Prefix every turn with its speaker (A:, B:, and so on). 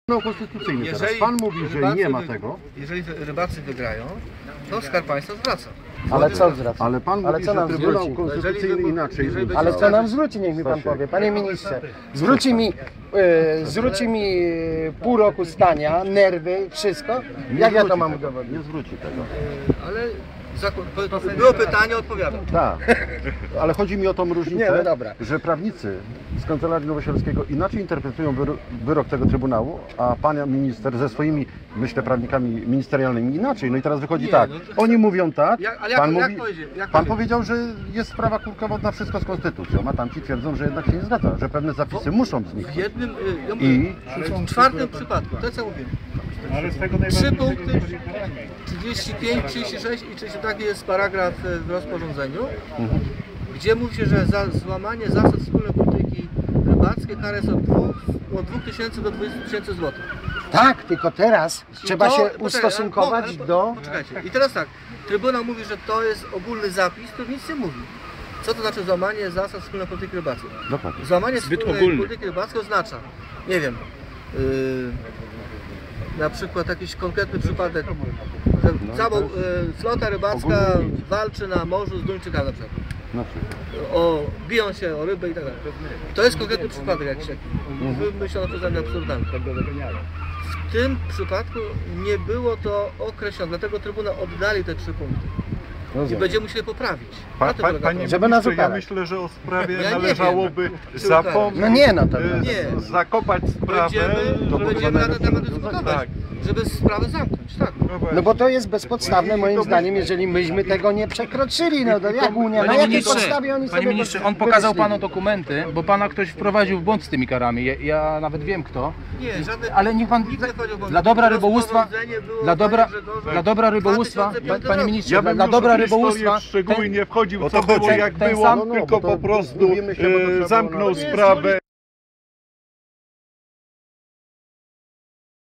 A: No konstytucyjny teraz. Pan mówi, że nie ma tego.
B: Jeżeli rybacy wygrają, to Skarb Państwa zwraca.
C: Ale co zwraca?
A: Ale pan mówi,
C: co nam
A: że Trybunał
C: zwróci?
A: Konstytucyjny inaczej.
C: Ale co nam zwróci, niech mi pan powie. Panie ministrze, zwróci mi pół roku stania, nerwy, wszystko. Jak ja to mam udowodnić?
A: Nie zwróci tego.
B: Ale było pytanie, odpowiadam.
A: Tak, ale chodzi mi o tą różnicę,
C: Nie, no dobra.
A: że prawnicy z Kancelarii Nowosielskiego inaczej interpretują wyrok tego Trybunału, a pan minister ze swoimi, myślę, prawnikami ministerialnymi inaczej. No i teraz wychodzi
B: Nie,
A: tak,
B: no to-
A: oni mówią tak,
B: pan
A: powiedział, że jest sprawa krótkowodna, wszystko z konstytucją, a tamci twierdzą, że jednak się nie zgadza, że pewne zapisy muszą
B: W
A: zniknąć.
B: jednym,
A: I
B: w czwartym przypadku, to co mówię.
D: Ale z tego
B: 3
D: najważniejszego
B: punkty, 35, 36 i 30, taki jest paragraf w rozporządzeniu, gdzie mówi się, że za złamanie zasad wspólnej polityki rybackiej kara jest od 2000 do 20 000 złotych.
C: Tak, tylko teraz trzeba się
B: Poczekaj,
C: ustosunkować do...
B: Poczekajcie. I teraz tak, Trybunał mówi, że to jest ogólny zapis, który nic nie mówi. Co to znaczy złamanie zasad wspólnej polityki rybackiej?
A: Dokładnie.
B: Złamanie
D: Zbyt
B: wspólnej
D: ogólny.
B: polityki rybackiej oznacza, nie wiem, na przykład jakiś konkretny przypadek, że cała flota rybacka walczy na morzu z Duńczykami na przykład.
A: Na przykład.
B: Biją się o rybę i tak dalej. To jest konkretny przypadek jakiś taki. Wymyślono przeze mnie absurdalny. W tym przypadku nie było to określone, dlatego Trybunał oddali te 3 punkty. I będziemy musieli poprawić. Na tym polega
D: Panie
B: problem.
C: Żeby nas
D: ministrze, ja
C: ukarać.
D: myślę, że o sprawie
B: Ja nie
D: należałoby
B: wiem.
D: zapomnieć,
C: No nie, no to...
B: Nie.
D: zakopać sprawę.
B: Będziemy na ten temat dyskutować,
D: Tak.
B: żeby sprawę zamknąć. Tak.
C: No bo to jest bezpodstawne moim zdaniem, jeżeli myśmy tego nie przekroczyli. No to jak Unia, na jakiej podstawie oni sobie...
E: Panie ministrze, on pokazał
C: wymyślili?
E: panu dokumenty, bo pana ktoś wprowadził w błąd z tymi karami. Ja nawet wiem kto.
B: Nie, żadne,
E: Ale niech pan
B: nikt nie powiedział, bo
E: dla dobra rybołówstwa,
B: rozporządzenie było,
E: dla dobra,
B: panie Grzegorzu,
E: dla dobra rybołówstwa,
B: 2005
E: panie
B: roku.
E: ministrze,
D: Ja bym
E: dla
D: już
E: dobra
D: w historię
E: rybołówstwa,
D: w szczegóły nie wchodził,
A: O
D: co
A: to
D: było
A: chodzi.
D: jak
E: Ten
D: było,
E: sam-
A: No,
D: tylko
A: bo to
D: po prostu
A: mówimy się, bo to trzeba było
D: zamknął
A: na-
D: sprawę.